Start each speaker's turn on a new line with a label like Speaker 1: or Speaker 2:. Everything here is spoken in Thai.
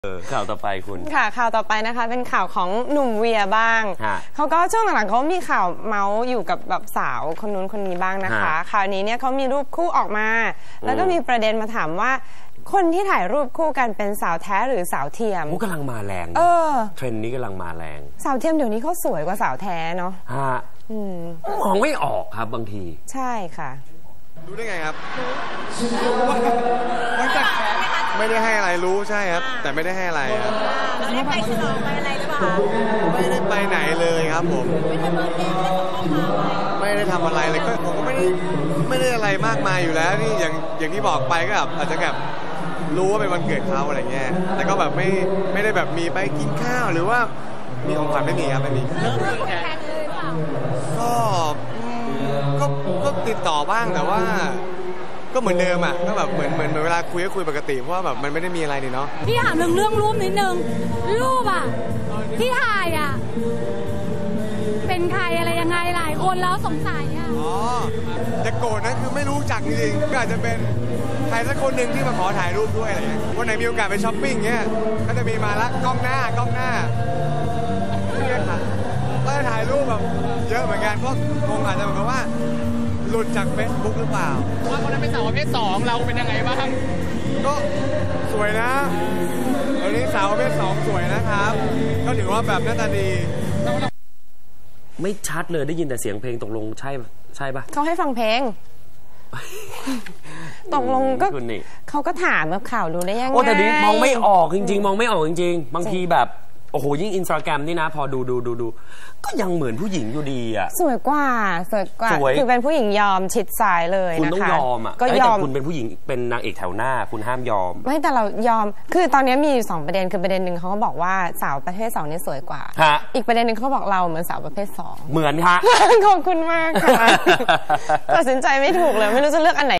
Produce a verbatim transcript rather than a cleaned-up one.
Speaker 1: ข่าวต่อไปคุณ
Speaker 2: ค่ะข่าวต่อไปนะคะเป็นข่าวของหนุ่มเวียบ้างเขาก็ช่วงหลังๆเขามีข่าวเมาส์อยู่กับแบบสาวคนนู้นคนนี้บ้างนะคะข่าวนี้เนี่ยเขามีรูปคู่ออกมาแล้วก็มีประเด็นมาถามว่าคนที่ถ่ายรูปคู่กันเป็นสาวแท้หรือสาวเทียม
Speaker 1: กำลังมาแรงเออเทรนด์นี้กำลังมาแรง
Speaker 2: สาวเทียมเดี๋ยวนี้เขาสวยกว่าสาวแท้เนาะ
Speaker 1: ฮะมองไม่ออกครับบางที
Speaker 2: ใช่ค่ะ
Speaker 3: รู้ได้ไงครับไม่ได้ให้อะไรรู้ใช่ครับแต่ไม่ได้ให้อะไรครับ
Speaker 4: ไม่ได้ไปฉลองไปอะไรหรือเปล่า
Speaker 3: ไม่ได้ไปไหนเลยครับผมไม่ได้ทำอะไรเลยก็ผมก็ไม่ได้ไม่ได้อะไรมากมายอยู่แล้วนี่อย่างอย่างที่บอกไปก็แบบอาจจะแบบรู้ว่าเป็นวันเกิดเขาอะไรเงี้ยแต่ก็แบบไม่ไม่ได้แบบมีไปกินข้าวหรือว่ามีของขวัญไม่มีครับไม่มีก็ก็ก็ติดต่อบ้างแต่ว่าก็เหมือนเดิมอ่ะก็แบบเหมือนเหมือนเวลาคุยก็คุยปกติเพราะว่าแบบมันไม่ได้มีอะไรนี่เนาะ
Speaker 4: พี่ถามเรื่องเรื่องรูปนิดนึงรูปอ่ะที่ถ่ายอ่ะเป็นใครอะไรยังไงหลายคนแล้วสงสัยอ่ะ
Speaker 3: อ๋อจะโกรธนะคือไม่รู้จักจริงๆก็อาจจะเป็นใครสักคนหนึ่งที่มาขอถ่ายรูปด้วยอะไรเงี้ยวันไหนมีโอกาสไปช้อปปิ้งเงี้ยก็จะมีมาละกล้องหน้ากล้องหน้าเนี่ยค่ะก็จะถ่ายรูปแบบเยอะเหมือนกันเพราะคงอาจจะเหมือนกับว่าหลุดจากเฟซบุ๊กหรือเปล่า
Speaker 5: ว่าคนนั้นเป็นสาวประเภทสองเราเป็นยังไงบ้าง
Speaker 3: ก็สวยนะตอนนี้สาวประเภทสองสวยนะครับก็ถือว่าแบบหน้าตาดี
Speaker 1: ไม่ชัดเลยได้ยินแต่เสียงเพลงตกลงใช่ใช่ปะ
Speaker 2: เขาให้ฟังเพลงตกลงก็เขาก็ถามแบบข่าวรู้ได้ยังไง
Speaker 1: โอ้แต่นี้มองไม่ออกจริงๆมองไม่ออกจริงๆบางทีแบบโอ้โหยิ่งอินสตาแกรมนี่นะพอดูดูดูดูก็ยังเหมือนผู้หญิงอยู่ดีอ่ะ
Speaker 2: สวยกว่าสวยกว่าคือเป็นผู้หญิงยอมชิดซ้ายเลยนะคะ
Speaker 1: คุณต้องยอมอ่ะก็ยอมคุณเป็นผู้หญิงเป็นนางเอกแถวหน้าคุณห้ามยอม
Speaker 2: ไม่แต่เรายอมคือตอนนี้มีอยู่สองประเด็นคือประเด็นหนึ่งเขาก็บอกว่าสาวประเภทสองนี่สวยกว่าอีกประเด็นหนึ่งเขาบอกเราเหมือนสาวประเภทสอง
Speaker 1: เหมือนค่ะ
Speaker 2: ขอบคุณมากค่ะตัดสินใจไม่ถูกเลยไม่รู้จะเลือกอันไหน